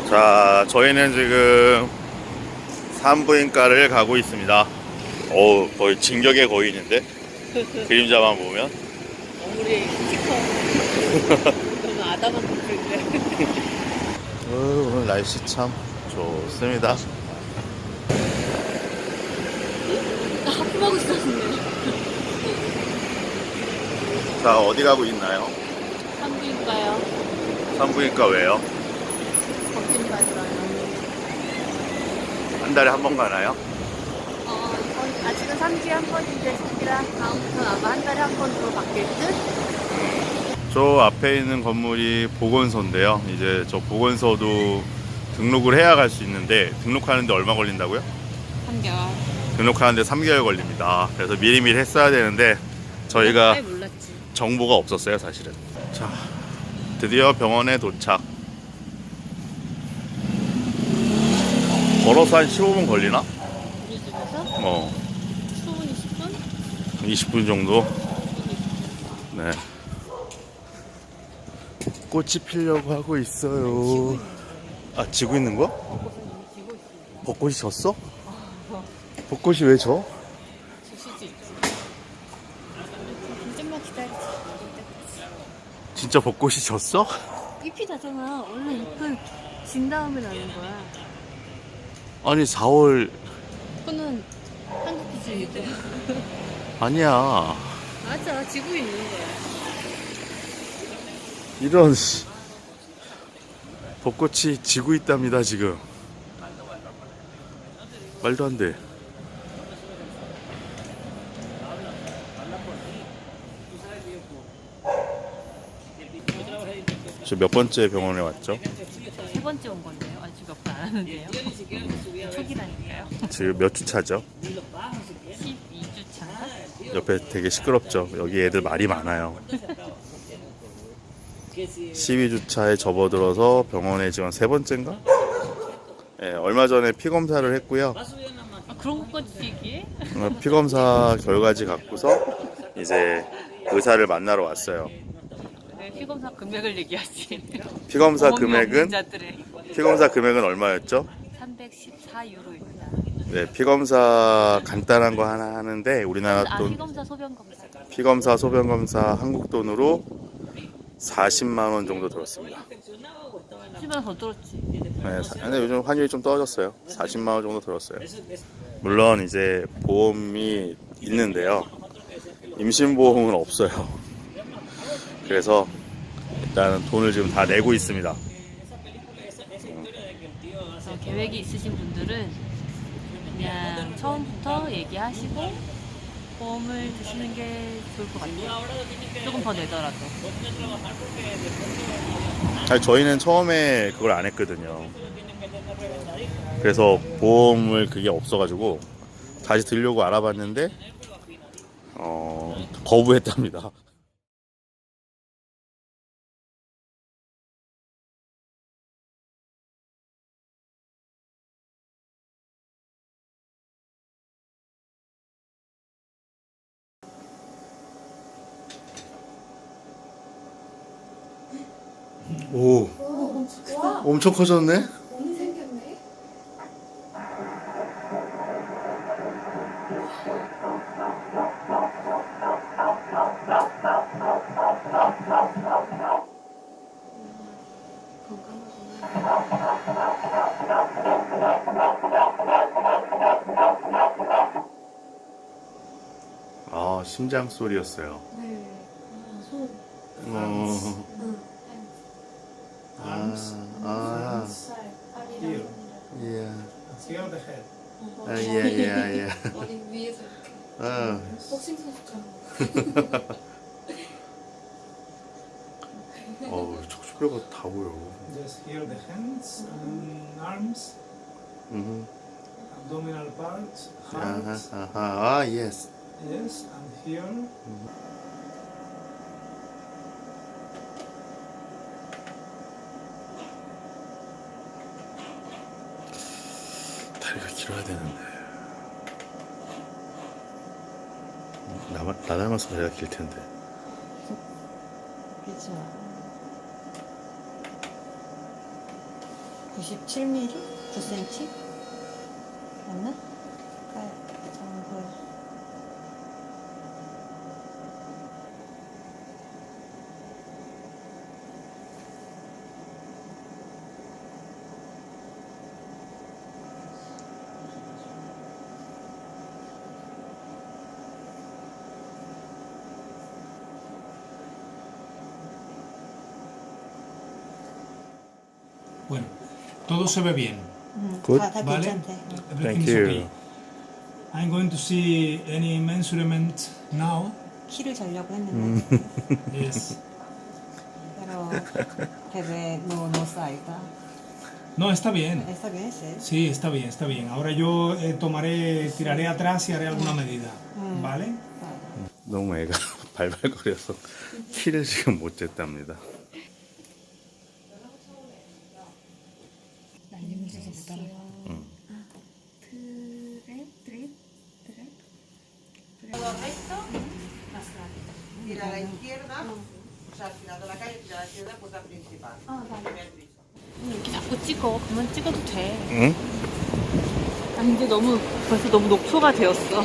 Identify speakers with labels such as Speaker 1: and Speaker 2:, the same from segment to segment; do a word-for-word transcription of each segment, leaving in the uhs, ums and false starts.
Speaker 1: 자, 저희는 지금 산부인과를 가고 있습니다. 어우, 거의 진격의 거인인데? 그림자만 보면.
Speaker 2: 우리 스티커 너무 아담한 모습인데.
Speaker 1: 어, 오늘 날씨 참 좋습니다.
Speaker 2: 나 하품하고 있었는데.
Speaker 1: 자, 어디 가고 있나요?
Speaker 2: 산부인과요.
Speaker 1: 산부인과 왜요?
Speaker 2: 검진 받으러요.
Speaker 1: 한 달에 한 번 가나요?
Speaker 2: 어, 이번, 아직은 삼 주에 한 번인데, 저기랑 다음부터는 아마 한 달에 한 번으로 바뀔 듯?
Speaker 1: 저 앞에 있는 건물이 보건소인데요. 이제 저 보건소도 등록을 해야 갈 수 있는데, 등록하는데 얼마 걸린다고요?
Speaker 2: 삼 개월.
Speaker 1: 등록하는데 삼 개월 걸립니다. 그래서 미리미리 했어야 되는데 저희가
Speaker 2: 아예 몰랐지.
Speaker 1: 정보가 없었어요, 사실은. 자, 드디어 병원에 도착. 걸어서 한 십오 분 걸리나?
Speaker 2: 우리 집에서
Speaker 1: 어,
Speaker 2: 십 분, 이십 분?
Speaker 1: 이십 분 정도? 네. 꽃이 피려고 하고 있어요. 아, 지고 있는 거야? 벚꽃이 졌어? 벚꽃이 왜 져?
Speaker 2: 줄 수도 있지. 좀만 기다리지.
Speaker 1: 진짜 벚꽃이 졌어?
Speaker 2: 잎이 나잖아. 원래 잎은 진 다음에 나는 거야.
Speaker 1: 아니, 사월
Speaker 2: 그거는 한국 기준이고.
Speaker 1: 아니야.
Speaker 2: 맞아, 지고 있는 거야.
Speaker 1: 이런 씨. 벚꽃이 지고 있답니다, 지금. 말도 안 돼. 저 몇 번째 병원에 왔죠?
Speaker 2: 세 번째 온 건데요. 아직 몇 번 안 하는데요. 초기라니까요.
Speaker 1: 지금 몇 주 차죠?
Speaker 2: 십이 주 차인가?
Speaker 1: 옆에 되게 시끄럽죠? 여기 애들 말이 많아요. 십이 주 차에 접어들어서 병원에 지금 세 번째인가? 네, 얼마 전에 피 검사를 했고요.
Speaker 2: 아, 그런 것까지 얘기해?
Speaker 1: 어, 피 검사 결과지 갖고서 이제 의사를 만나러 왔어요.
Speaker 2: 왜 피검사 금액을 얘기하지?
Speaker 1: 피 검사
Speaker 2: 경험이 없는
Speaker 1: 금액은
Speaker 2: 자들의
Speaker 1: 피 검사 금액은 얼마였죠?
Speaker 2: 삼백십사 유로입니다.
Speaker 1: 네, 피 검사 간단한 거 하나 하는데 우리나라
Speaker 2: 아,
Speaker 1: 돈
Speaker 2: 피검사 소변 검사.
Speaker 1: 피 검사 소변 검사 한국 돈으로 사십만 원 정도 들었습니다.
Speaker 2: 십만 더 들었지.
Speaker 1: 네, 사- 근데 요즘 환율이 좀 떨어졌어요. 사십만 원 정도 들었어요. 물론 이제 보험이 있는데요. 임신보험은 없어요. 그래서 일단은 돈을 지금 다 내고 있습니다.
Speaker 2: 그래서 계획이 있으신 분들은 그냥 처음부터 얘기하시고 보험을 드시는 게 좋을 것 같아요. 조금 더 내더라도.
Speaker 1: 아니, 저희는 처음에 그걸 안 했거든요. 그래서 보험을 그게 없어가지고 다시 들려고 알아봤는데 어, 거부했답니다. 오,
Speaker 3: 와,
Speaker 1: 엄청 커졌네?
Speaker 3: 몸이 생겼네.
Speaker 1: 아, 심장 소리였어요.
Speaker 3: 네. 아, 손.
Speaker 1: 어,
Speaker 3: 응.
Speaker 1: 아, 아,
Speaker 3: 살, 팔이랑
Speaker 1: 예,
Speaker 4: Here the head.
Speaker 1: 아, 예, 예, 예.
Speaker 3: 머리 위에서 이렇게
Speaker 1: 아,
Speaker 3: 복싱 선수처럼.
Speaker 1: 어우, 척추뼈가 다 보여.
Speaker 4: Just here the hands and arms,
Speaker 1: 음,
Speaker 4: abdominal part,
Speaker 1: 아하,
Speaker 4: heart.
Speaker 1: 아하, 아, 예스.
Speaker 4: Yes, and here.
Speaker 1: 다리가 길어야 되는데. 나, 나 닮아서 다리가 길 텐데.
Speaker 2: 그죠.
Speaker 5: 구십칠 밀리미터? 구 센티미터? 맞나? 깔, 정글.
Speaker 4: Bueno, todo se ve bien.
Speaker 5: 음,
Speaker 1: 굿.
Speaker 5: 다, 다
Speaker 4: Vale.
Speaker 5: 괜찮대.
Speaker 4: Everything is okay. I'm going to see any measurement now.
Speaker 5: 키를 재려고 했는데.
Speaker 4: Yes.
Speaker 5: Pero bebé no, no salta.
Speaker 4: No, está bien.
Speaker 5: ¿Está bien, sí?
Speaker 4: Sí, está bien, está bien. Ahora yo eh, tomaré, tiraré atrás y haré alguna medida.
Speaker 5: Mm.
Speaker 4: ¿Vale?
Speaker 5: Vale.
Speaker 1: 너무 애가 발발거려서 키를 지금 못 쟀답니다.
Speaker 6: Tira a la izquierda, o sea, girando la calle, tira a la izquierda, puerta principal. Primer piso.
Speaker 2: 이렇게 자꾸 찍어. 그만 찍어도 돼.
Speaker 1: 응?
Speaker 2: 아니 이제 너무 벌써 너무 녹초가 되었어.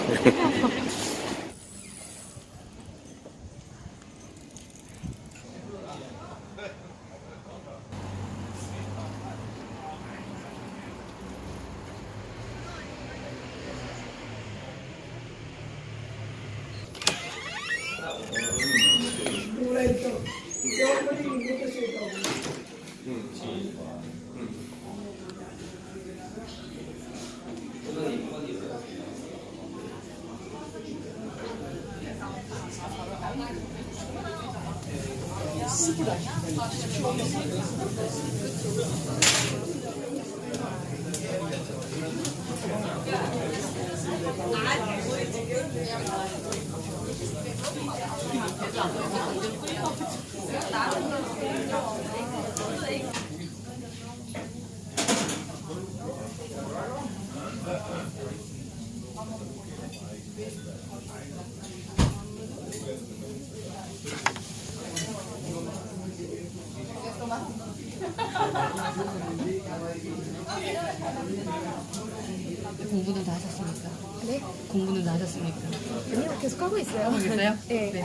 Speaker 2: 공부는 다 하셨습니까?
Speaker 3: 네?
Speaker 2: 공부는 다 하셨습니까?
Speaker 3: 아니요, 계속 하고 있어요.
Speaker 2: 하고 있어요?
Speaker 3: 네.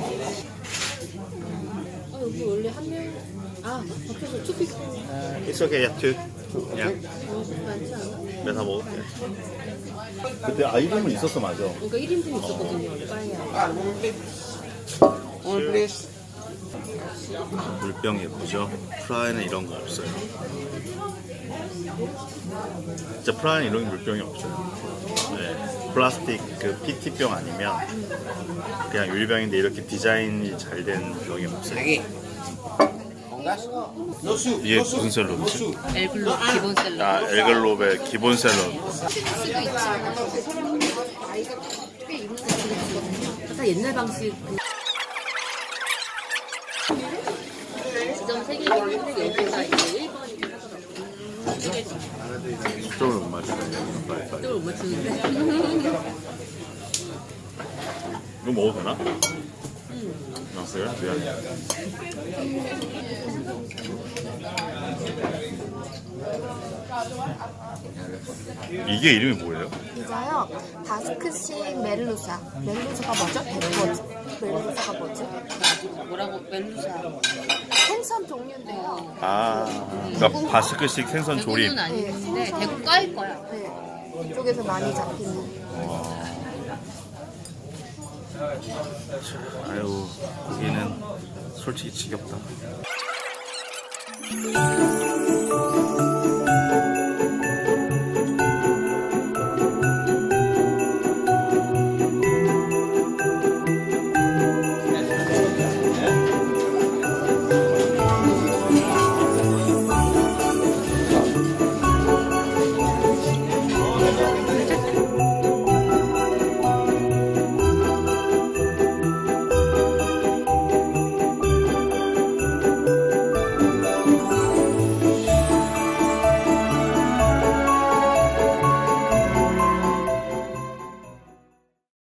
Speaker 2: 아 여기 원래 한 명. 아 밖에서 투픽
Speaker 1: It's okay, yeah, two. Yeah.
Speaker 2: 많지 않아?
Speaker 1: 내가 먹을게. 그때 아이템은 있었어, 맞아.
Speaker 2: 그러니까 일 인분 있었거든요. 빠이야.
Speaker 6: One please.
Speaker 1: 물병 예쁘죠? 프라이는 이런 거 없어요. 진짜 프라이는 이런 물병이 없어요. 네, 플라스틱 그 피티병 아니면 그냥 유리병인데 이렇게 디자인이 잘 된 병이 없어요. 이게 무슨 샐러드지?
Speaker 2: 엘글로 기본 샐러드.
Speaker 1: 아, 엘글롭의 기본 샐러드.
Speaker 2: 약간 옛날 방식. 지점 세 개가 여기가 이제 일 번이
Speaker 1: 초점을 못 맞추네.
Speaker 2: 초점을 못 맞추는데.
Speaker 1: 이거 먹어도 되나? 응. 아, 그래? 미안해. 이게 이름이 뭐예요?
Speaker 3: 이거요. 바스크식 멜루사. 멜루사가 뭐죠? 백버즈. 멜루사가 뭐지?
Speaker 2: 뭐라고 멜루사.
Speaker 3: 생선 종류인데요.
Speaker 1: 아, 그러니까 바스크식 생선 조림.
Speaker 2: 대구는 아닌데 대구 까일 거야.
Speaker 3: 네. 이쪽에서 많이 잡히는.
Speaker 1: 아유, 고기는 솔직히 지겹다.